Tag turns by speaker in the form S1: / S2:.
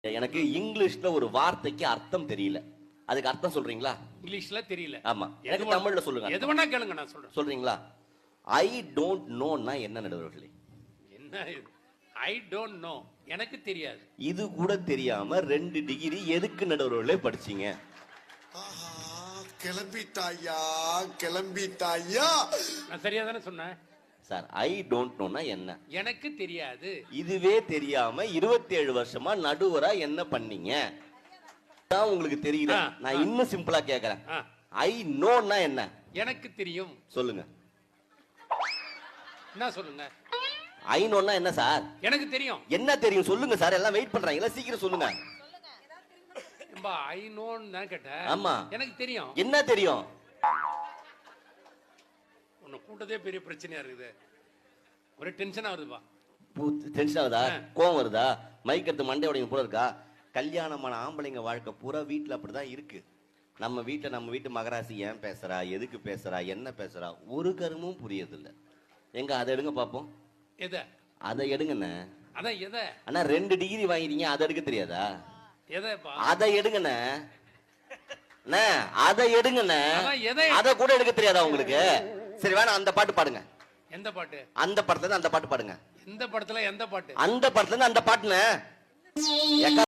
S1: எனக்கு இங்கிலீஷ்ல ஒரு வார்த்தைக்கு அர்த்தம் தெரியல. அதுக்கு அர்த்தம் சொல்றீங்களா?
S2: இங்கிலீஷ்ல தெரியல.
S1: ஆமா. எனக்கு தமிழ்ல சொல்லுங்க.
S2: எது வேணா கேளுங்க, நான் சொல்றேன்.
S1: சொல்றீங்களா? ஐ டோன்ட் நோனா என்ன நடுவர்களே?
S2: என்ன இது? ஐ டோன்ட் நோ, எனக்கு தெரியாது.
S1: இது கூட தெரியாம 2 டிகிரி எதுக்கு நடுவர்களே படிச்சீங்க?
S3: கிளம்பிட்டாயா கிளம்பிட்டாயா.
S2: நான் சரியா தானே சொன்னேன்
S1: சார். ஐ டோன்ட் நோனா என்ன?
S2: எனக்கு தெரியாது.
S1: இதுவே தெரியாம 27 வருஷமா நடுவரா என்ன பண்ணீங்க? தான் உங்களுக்கு தெரியல. நான் இன்னும் சிம்பிளா கேக்குறேன். ஐ நோனா என்ன?
S2: எனக்கு தெரியும்.
S1: சொல்லுங்க.
S2: என்ன சொல்லுங்க?
S1: ஐ நோனா என்ன சார்?
S2: எனக்கு தெரியும்.
S1: என்ன தெரியும் சொல்லுங்க சார். எல்லாம் வெயிட் பண்றாங்க, சீக்கிரம் சொல்லுங்க.
S2: ஐ நோன்னு தான் கேட்டேன்.
S1: ஆமா,
S2: எனக்கு தெரியும்.
S1: என்ன தெரியும்?
S2: உன்னை கூட்டதே பெரிய பிரச்சனையா இருக்குது. ஒரு டென்ஷன் ஆகுதுப்பா.
S1: டென்ஷன் ஆகுதா? கோவம் வருதா? மைக் எடுத்து மண்டை உடையும் போல இருக்கா? கல்யாணமான ஆம்பளைங்க வாழ்க்கை பூரா வீட்டுல அப்படிதான் இருக்கு. நம்ம வீட்டு மகராசி ஏன் பேசுறா, எதுக்கு பேசுறா, என்ன பேசுறா, ஒரு கருமும் புரியதில்லை. எங்க அதை எடுங்க பாப்போம்.
S2: எதை?
S1: அதை எடுங்கண்ணே.
S2: அதான் எதை?
S1: அண்ணா 2 டிகிரி வாங்கிட்டீங்க, அதை எடுக்க தெரியாதா?
S2: எதைப்பா?
S1: அதை எடுங்கண்ணே. அதை எடுங்கண்ணே.
S2: அதை
S1: கூட எடுக்க தெரியாதா உங்களுக்கு? சரி வேணா அந்த பாட்டு பாடுங்க.
S2: எந்த பாட்டு?
S1: அந்த படத்துல இருந்து அந்த பாட்டு பாடுங்க.
S2: எந்த படத்துல எந்த பாட்டு?
S1: அந்த படத்துல இருந்து அந்த பாட்டுன்னு